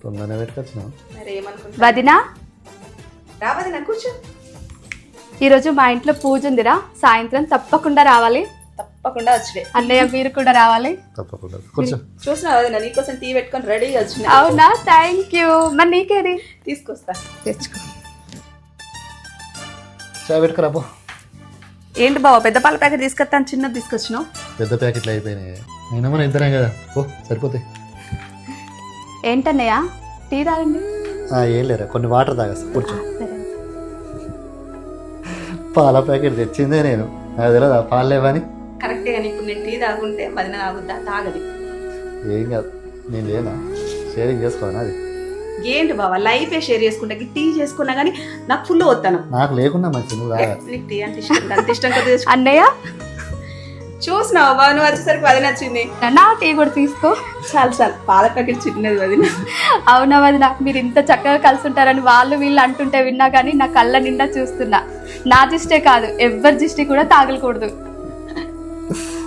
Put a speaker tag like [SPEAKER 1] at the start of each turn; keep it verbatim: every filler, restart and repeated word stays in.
[SPEAKER 1] తొందరనే పెట్టుకొచ్చినావు.
[SPEAKER 2] మరి ఏమనుకుంటా
[SPEAKER 3] వదినా
[SPEAKER 2] రా వదినా కూర్చో.
[SPEAKER 3] ఈరోజు మా ఇంట్లో పూజ ఉందిరా, సాయంత్రం తప్పకుండా రావాలి.
[SPEAKER 2] తప్పకుండా వచ్చే
[SPEAKER 3] అన్నయ్య మీరు కూడా రావాలి.
[SPEAKER 1] తప్పకుండా కూర్చో.
[SPEAKER 2] చూసినా వదినా నీకోసం టీ పెట్టుకొని రెడీగా వచ్చిన.
[SPEAKER 3] అవునా, థ్యాంక్ యూ. మరి నీకేది
[SPEAKER 2] తీసుకొస్తా.
[SPEAKER 3] తెచ్చుకో.
[SPEAKER 1] చాయ్ పెట్టుకురా పో.
[SPEAKER 2] ఏంటి బావ పెద్ద పాల ప్యాకెట్ తీసుకొస్తాను, చిన్నది తీసుకొచ్చినావు.
[SPEAKER 1] పెద్ద ప్యాకెట్లు అయిపోయినాయి. అయినా మనం ఇద్దరం కదా, ఓ సరిపోతాయి.
[SPEAKER 3] ఏంటన్నయ్య టీ తాగండి.
[SPEAKER 1] ఆ, ఏం లేరా, కొన్ని వాటర్ తాగస్తా, కూర్చో.
[SPEAKER 3] సరే.
[SPEAKER 1] పాల ప్యాకెట్ తెచ్చిందే నేను, నాకు తెలియదు ఆ పాలు లేవని.
[SPEAKER 2] కరెక్టే కానీ ఇప్పుడు నేను టీ తాగుంటే వదిన తాగుద్దా? తాగది.
[SPEAKER 1] ఏం కాదు, నేను లేనా, షేరింగ్ చేసుకోనా. అది
[SPEAKER 2] ఏంటి బావ లైఫే షేర్ చేసుకుంటా, టీ చేసుకున్నా కానీ నాకు ఫుల్ వస్తాను.
[SPEAKER 1] నాకు లేకుండా మంచి నువ్వు తాగా.
[SPEAKER 2] నీకు టీ అంటే ఇష్టం, అంత ఇష్టం కదా.
[SPEAKER 3] అన్నయ్య
[SPEAKER 2] చూసినావు బావ, నువ్వు వచ్చేసరికి వదిన వచ్చింది.
[SPEAKER 3] నా టీ కూడా తీసుకో.
[SPEAKER 2] చాలు చాలు, పాల ప్యాకెట్ చిన్నది వదిన.
[SPEAKER 3] అవునా వదిన, మీరు ఇంత చక్కగా కలిసి ఉంటారని వాళ్ళు వీళ్ళు అంటుంటే విన్నా కానీ నా కళ్ళ నిండా చూస్తున్నా. నా దిష్టే కాదు, ఎవ్వరి దిష్టి కూడా తాగలకూడదు.